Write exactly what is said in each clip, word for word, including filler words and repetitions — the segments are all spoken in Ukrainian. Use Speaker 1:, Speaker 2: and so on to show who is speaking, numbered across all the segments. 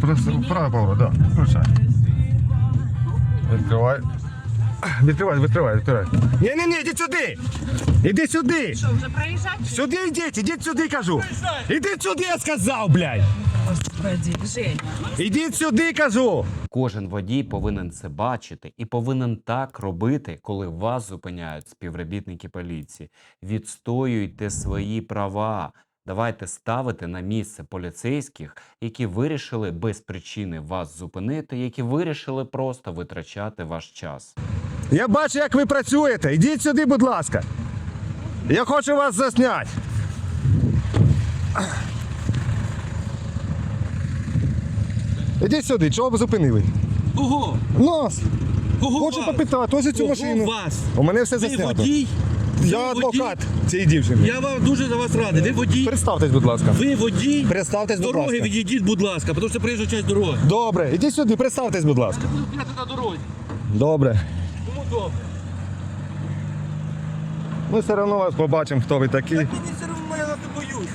Speaker 1: Право поворот, да. Включай. Відкривай. Відкривай, відкривай, відкривай. Ні-ні-ні, ідіть сюди! Ідіть сюди!
Speaker 2: Що, вже проїжджати?
Speaker 1: Сюди йдіть, ідіть сюди, кажу! Ідіть сюди, я сказав, блядь!
Speaker 2: Господи, Женя.
Speaker 1: Ідіть сюди, кажу!
Speaker 3: Кожен водій повинен це бачити і повинен так робити, коли вас зупиняють співробітники поліції. Відстоюйте свої права. Давайте ставити на місце поліцейських, які вирішили без причини вас зупинити, які вирішили просто витрачати ваш час.
Speaker 1: Я бачу, як ви працюєте. Ідіть сюди, будь ласка. Я хочу вас засняти. Ідіть сюди, чого ви зупинили?
Speaker 4: Кого?
Speaker 1: Нас.
Speaker 4: Кого
Speaker 1: Хочу
Speaker 4: вас?
Speaker 1: попитати, ось цю
Speaker 4: Кого
Speaker 1: машину.
Speaker 4: вас?
Speaker 1: У мене все
Speaker 4: Ви
Speaker 1: заснято.
Speaker 4: водій?
Speaker 1: Я
Speaker 4: Ви
Speaker 1: адвокат
Speaker 4: водій?
Speaker 1: цієї дівчини.
Speaker 4: Я вам дуже за вас радий. Ви водій?
Speaker 1: Представтесь, будь ласка.
Speaker 4: Ви водій?
Speaker 1: Представтесь,
Speaker 4: З
Speaker 1: будь
Speaker 4: дороги
Speaker 1: ласка.
Speaker 4: відійдіть, будь ласка, тому що приїжджа часть дороги.
Speaker 1: Добре, ідіть сюди, представтесь, будь ласка.
Speaker 4: Я не буду стояти на дорозі.
Speaker 1: Добре.
Speaker 4: Кому добре?
Speaker 1: Ми все одно вас побачимо, хто ви такі.
Speaker 4: Так мені все одно, я вас не боюся.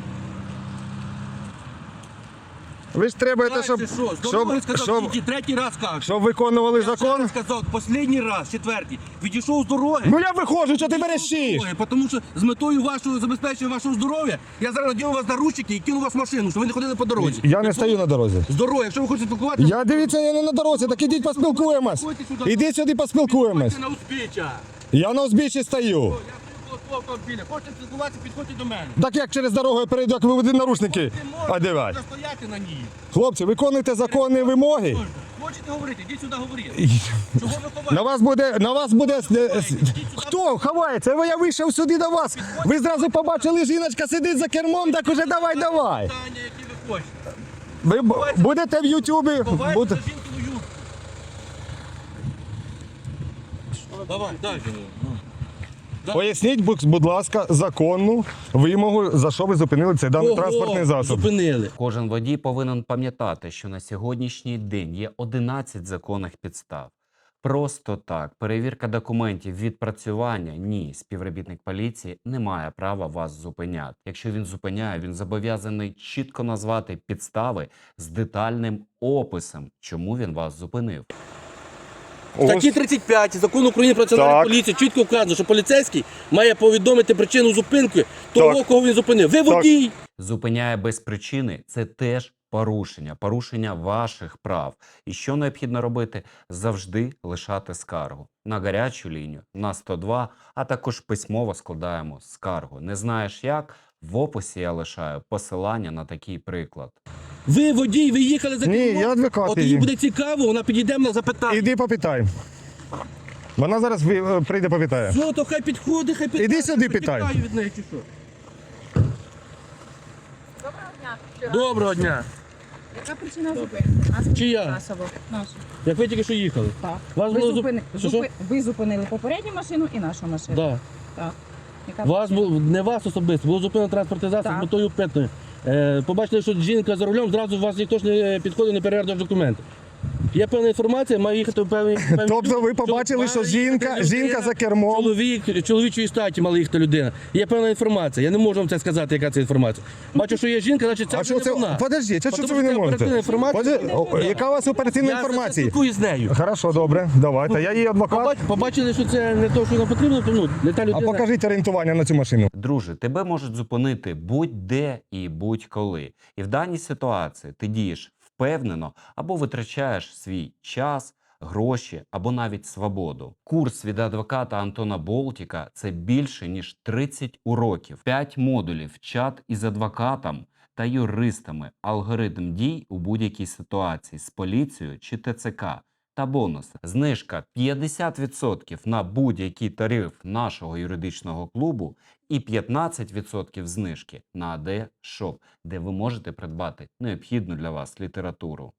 Speaker 1: Ви ж требуєте,
Speaker 4: Так,
Speaker 1: щоб,
Speaker 4: це що? З
Speaker 1: щоб,
Speaker 4: дороги сказав,
Speaker 1: щоб,
Speaker 4: тільки третій раз кажу.
Speaker 1: щоб виконували
Speaker 4: Я ще
Speaker 1: закон.
Speaker 4: раз сказав, останній раз, четвертий. Відійшов з дороги.
Speaker 1: Ну я виходжу, що ти берещиш?
Speaker 4: Тому що з метою вашого забезпечення вашого здоров'я я зараз надіну вас наручники і кину вас в машину, щоб ви не ходили по дорозі.
Speaker 1: Я не стою на дорозі.
Speaker 4: З дороги, якщо ви хочете спілкуватися,
Speaker 1: Я дивіться, я не на дорозі, так ідіть поспілкуємось.
Speaker 4: Ходьте сюди.
Speaker 1: Ідіть сюди поспілкуємось.
Speaker 4: підходьте на узбіччя.
Speaker 1: Я на узбіччі стою.
Speaker 4: Я приїхав до автомобіля. Хочете спілкуватися, підходьте до мене.
Speaker 1: Так як через дорогу я перейду, як ви будете наручники
Speaker 4: Ви можете
Speaker 1: одягати.
Speaker 4: стояти на ній.
Speaker 1: Хлопці, виконуйте законні вимоги.
Speaker 4: Можете. Хочете говорити, йдіть сюди говорити. Чого ви ховаєте?
Speaker 1: На вас буде, на вас буде... е, Хто ховається? Я вийшов сюди до вас. Ви зразу побачили, жіночка сидить за кермом, так уже давай, давай.
Speaker 4: Питання, які ви хочете.
Speaker 1: Ви б- будете в Ютубі.
Speaker 4: Ховайте
Speaker 1: Буде...
Speaker 4: за жінкину юбку. Давай, далі.
Speaker 1: Поясніть, будь будь ласка, законну вимогу, за що ви зупинили цей даний
Speaker 4: Кого
Speaker 1: транспортний засіб.
Speaker 4: зупинили.
Speaker 3: Кожен водій повинен пам'ятати, що на сьогоднішній день є одинадцять законних підстав. Просто так, перевірка документів, відпрацювання – ні, співробітник поліції не має права вас зупиняти. Якщо він зупиняє, він зобов'язаний чітко назвати підстави з детальним описом, чому він вас зупинив.
Speaker 4: В статті тридцять п'ять Закону України про національну
Speaker 1: Так.
Speaker 4: поліцію чітко вказано, що поліцейський має повідомити причину зупинки того,
Speaker 1: Так.
Speaker 4: кого він зупинив. Ви водій!
Speaker 3: Зупиняє без причини – це теж порушення, порушення ваших прав. І що необхідно робити? Завжди лишати скаргу. На гарячу лінію, на сто два, а також письмово складаємо скаргу. Не знаєш як? В описі я лишаю посилання на такий приклад.
Speaker 4: Ви водій, ви їхали за
Speaker 1: Ні,
Speaker 4: кермом.
Speaker 1: я адвокат
Speaker 4: От їй
Speaker 1: її.
Speaker 4: буде цікаво, вона підійде мене запитає.
Speaker 1: Іди попитай. Вона зараз ви- прийде попитає.
Speaker 4: Все, то хай підходить, хай питає.
Speaker 1: Іди сюди,
Speaker 4: Що,
Speaker 1: питай.
Speaker 4: тікаю від неї чи що?
Speaker 2: Доброго дня.
Speaker 4: Доброго дня.
Speaker 2: Яка причина зупинки?
Speaker 4: Чия?
Speaker 2: Засобу. Нашу.
Speaker 4: Як ви тільки що їхали?
Speaker 2: Так.
Speaker 4: Вас
Speaker 2: Ви,
Speaker 4: було зуп-
Speaker 2: зупини...
Speaker 4: Що, що?
Speaker 2: зупи- ви зупинили попередню машину і нашу машину.
Speaker 4: Да.
Speaker 2: Так. Яка
Speaker 4: Вас було, не вас особисто, було зупинено транспортний засіб
Speaker 2: Так.
Speaker 4: з метою питної. Е, побачили, що жінка за рулем, зразу вас ніхто ж не підходить, не перевіряє документи. Є певна інформація, має їхати в певний... певний-
Speaker 1: Тобто ви побачили, що
Speaker 4: має
Speaker 1: жінка,
Speaker 4: їхати
Speaker 1: жінка
Speaker 4: людина,
Speaker 1: за кермом.
Speaker 4: Чоловік, чоловічої статі мала їхати людина. Є певна інформація. Я не можу вам це сказати, яка це інформація. Бачу, що є жінка, значить це
Speaker 1: А
Speaker 4: вже
Speaker 1: що
Speaker 4: не
Speaker 1: це?
Speaker 4: вона.
Speaker 1: Подожди, що
Speaker 4: Тому
Speaker 1: це ви не
Speaker 4: що це
Speaker 1: можете?
Speaker 4: оперативна інформація.
Speaker 1: Подожди, о, яка у вас оперативна
Speaker 4: Я
Speaker 1: інформація?
Speaker 4: спілкуюсь з нею.
Speaker 1: Хорошо, добре, давайте. Я її адвокат.
Speaker 4: Побач- Побачили, що це не те, що нам потрібно, то ну, не та
Speaker 1: А
Speaker 4: людина.
Speaker 1: покажіть орієнтування на цю машину.
Speaker 3: Друже, тебе можуть зупинити будь-де і будь-коли. І в даній ситуації ти дієш впевнено або витрачаєш свій час, гроші або навіть свободу. Курс від адвоката Антона Болтіка – це більше ніж тридцять уроків, п'ять модулів, чат із адвокатом та юристами, алгоритм дій у будь-якій ситуації з поліцією чи Т Ц К. Та бонуси. Знижка п'ятдесят відсотків на будь-який тариф нашого юридичного клубу і п'ятнадцять відсотків знижки на А Д Шоп, де ви можете придбати необхідну для вас літературу.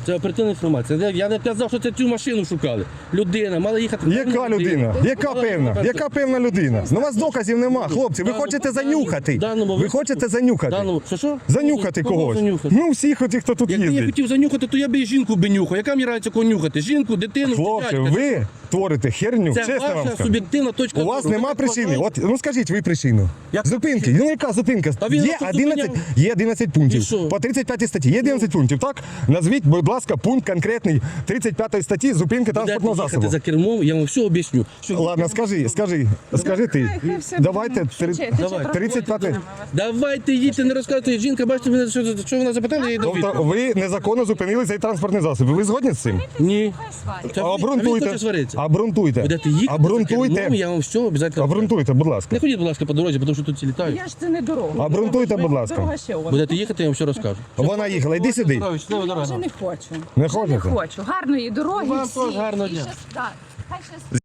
Speaker 4: Це оперативна інформація. Я не казав, що це цю машину шукали. Людина, мала їхати.
Speaker 1: Яка людина? Яка певна? Яка певна людина? Ну у вас доказів нема, хлопці. Ви хочете занюхати.
Speaker 4: Даному
Speaker 1: Ви хочете занюхати.
Speaker 4: Даному, що що?
Speaker 1: Занюхати
Speaker 4: Кого
Speaker 1: когось.
Speaker 4: занюхати?
Speaker 1: Ну всіх оті, хто тут
Speaker 4: Якби я
Speaker 1: їздить.
Speaker 4: хотів занюхати, то я би і жінку би нюхав. Яка мені разниця кого нюхати? Жінку, дитину,
Speaker 1: Хлопці,
Speaker 4: дитячка?
Speaker 1: ви творите херню,
Speaker 4: Це
Speaker 1: чесно вам
Speaker 4: ваша
Speaker 1: скажу.
Speaker 4: суб'єктивна точка
Speaker 1: У вас
Speaker 4: зору. Ви
Speaker 1: нема
Speaker 4: так
Speaker 1: причини.
Speaker 4: вважаєте?
Speaker 1: От, ну скажіть ви причину.
Speaker 4: Яка
Speaker 1: Зупинки. Ну яка зупинка?
Speaker 4: А він
Speaker 1: Є
Speaker 4: вас тут
Speaker 1: одинадцять,
Speaker 4: зупиняв.
Speaker 1: є одинадцять
Speaker 4: І
Speaker 1: пунктів.
Speaker 4: що?
Speaker 1: По тридцять п'ятій статті є одинадцять пунктів, так? Назвіть, будь ласка, пункт конкретний тридцять п'ятої статті зупинки транспортного
Speaker 4: Будете
Speaker 1: засобу.
Speaker 4: їхати за кермом, я вам все об'ясню. Що
Speaker 1: Ладно, скажи, скажи, скажи ти.
Speaker 2: Хай- хай все
Speaker 1: Давайте
Speaker 2: буде.
Speaker 1: три-
Speaker 2: Швидше, швидше
Speaker 4: Давай.
Speaker 1: тридцять п'ятий.
Speaker 2: проходьте.
Speaker 4: Давайте їдьте, не розказуйте. Жінка, бачите, мене, що, що вона запитала, я їй дав
Speaker 1: Тобто
Speaker 4: відповідь.
Speaker 1: ви незаконно зупинили цей транспортний засіб. Ви згодні з цим?
Speaker 4: Ні.
Speaker 2: Хай сварять.
Speaker 4: Та ви- а він
Speaker 1: Обґрунтуйте.
Speaker 4: хоче сваритися.
Speaker 1: Обґрунтуйте.
Speaker 4: Будете їхати за
Speaker 1: Обґрунтуйте.
Speaker 4: кермом, я вам все обов'язково.
Speaker 1: Обґрунтуйте, будь ласка.
Speaker 4: Не ходіть, будь ласка, по дорозі, тому що тут всі літають.
Speaker 2: Я ж це не дорога.
Speaker 1: Обґрунтуйте, будь ласка.
Speaker 2: Дорога ще у вас.
Speaker 4: Будете їхати, я вам все розкажу.
Speaker 1: Вона їхала, йди сюди.
Speaker 4: Здоров'я, щаслива
Speaker 2: Я
Speaker 4: дорога.
Speaker 2: вже не хочу.
Speaker 1: Не
Speaker 2: Вже
Speaker 1: хочете?
Speaker 2: Не хочу. Гарної дороги
Speaker 4: Вам
Speaker 2: всім.
Speaker 4: теж гарного
Speaker 2: І
Speaker 4: дня.
Speaker 2: щас- так. Хай щас-